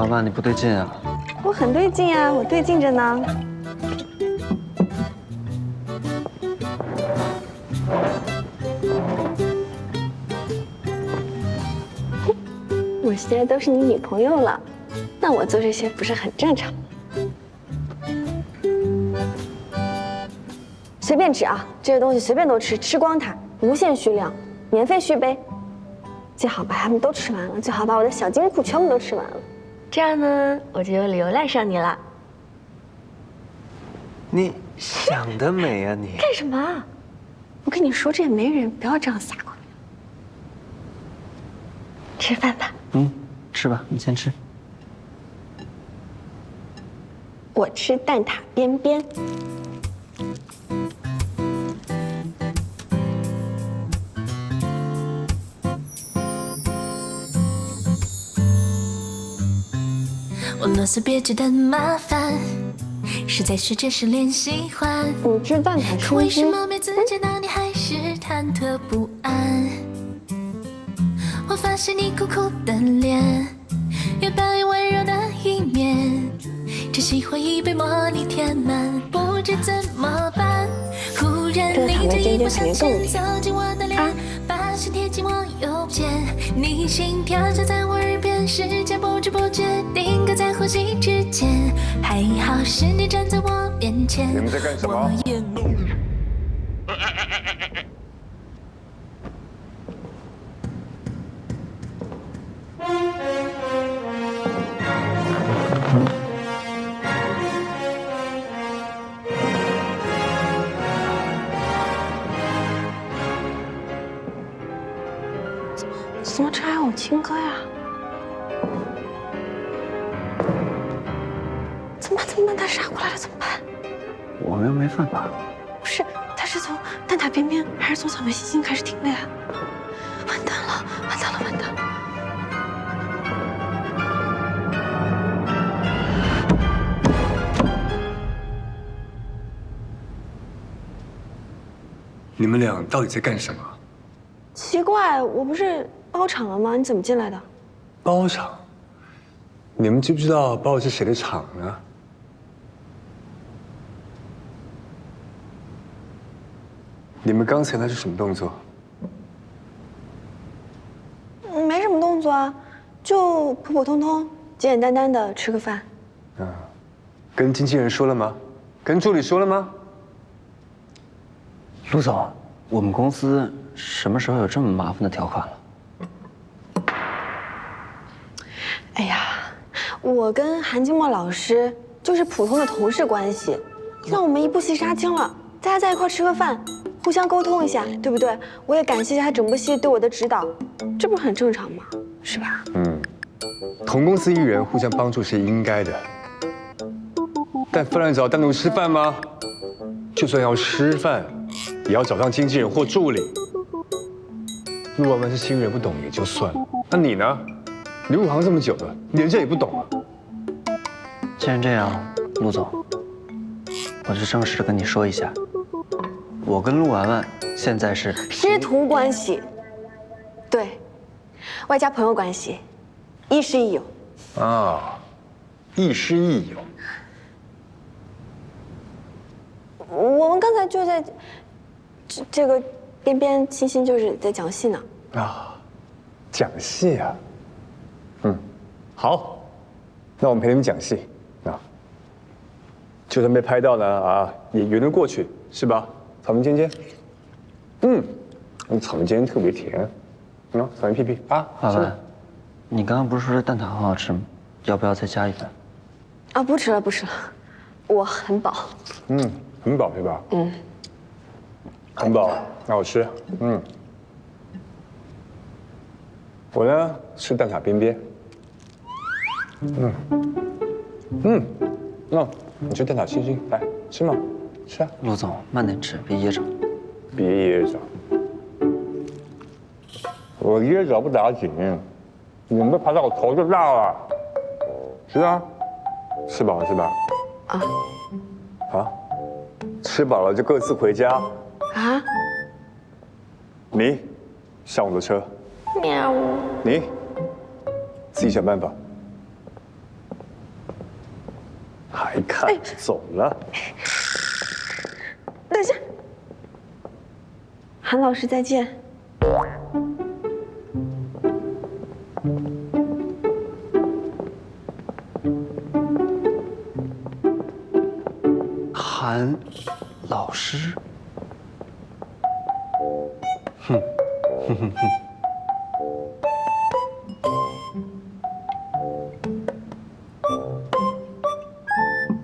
老板，你不对劲啊！ 我很对劲啊，我对劲着呢。我现在都是你女朋友了，那我做这些不是很正常？随便吃啊，这些东西随便都吃，吃光它，无限续量，免费续杯。最好把它们都吃完了，最好把我的小金库全部都吃完了，这样呢，我就有理由赖上你了。 你想得美啊你！ 干什么啊？我跟你说，这也没人，不要这样撒谎。吃饭吧。 吃吧，你先吃。 我吃蛋挞边边。 我啰嗦别觉得麻烦，是在学着是练喜欢。 你吃蛋挞可为什边么每次见到你还是忐忑不安？我发现你苦苦的脸，越表演温柔的一面，只喜欢一杯茉莉填满，不知怎么办。忽然你这一步向前走进我的脸，把心贴近我右肩，你心跳就在我耳边，时间不知不觉定格在呼吸之间。还好是你站在我面前。 你们在干什么？ 怎么这还有亲哥呀？怎么办？他杀过来了怎么办？ 我们又没犯法。 不是，他是从蛋挞边边还是从草莓星星开始听的呀？完蛋了！ 你们俩到底在干什么？ 奇怪，我不是包场了吗？你怎么进来的？ 包场？你们知不知道包的是谁的场呢？你们刚才那是什么动作？ 没什么动作啊，就普普通通、简简单单的吃个饭。 跟经纪人说了吗？跟助理说了吗？ 陆总，我们公司什么时候有这么麻烦的条款了？ 哎呀，我跟韩金墨老师就是普通的同事关系，让我们一不惜杀青了，大家在一块吃个饭，互相沟通一下，对不对？我也感谢一下他整部戏对我的指导，这不是很正常吗？是吧？ 同公司艺人互相帮助是应该的，但饭量找单独吃饭吗？就算要吃饭，也要找上经纪人或助理。陆婉婉是新人，不懂也就算了，那你呢？你入行这么久了，连这也不懂啊？ 既然这样，陆总，我就正式的跟你说一下，我跟陆婉婉现在是师徒关系，对，外加朋友关系，亦师亦友。 啊，亦师亦友。 我们刚才就在这个边边星星就是在讲戏呢。 讲戏啊？好，那我们陪你们讲戏啊。就算被拍到呢也圆得过去，是吧？草莓尖尖，草莓尖尖特别甜，草莓屁屁啊。 婉婉，你刚刚不是说这蛋挞很好吃吗？要不要再加一份？ 啊，不吃了，我很饱。 很饱对吧？很饱，那我吃。我呢吃蛋挞边边。你吃蛋挞星星，来吃嘛，吃啊。 陆总，慢点吃，别噎着。 别噎着，我噎着不打紧，你们爬到我头就大了。吃啊，吃饱了是吧？吃饱了就各自回家。 啊？ 你上我的车， 喵。 你自己想办法。 还看？走了。 等一下，韩老师再见。 韩老师，哼哼哼哼。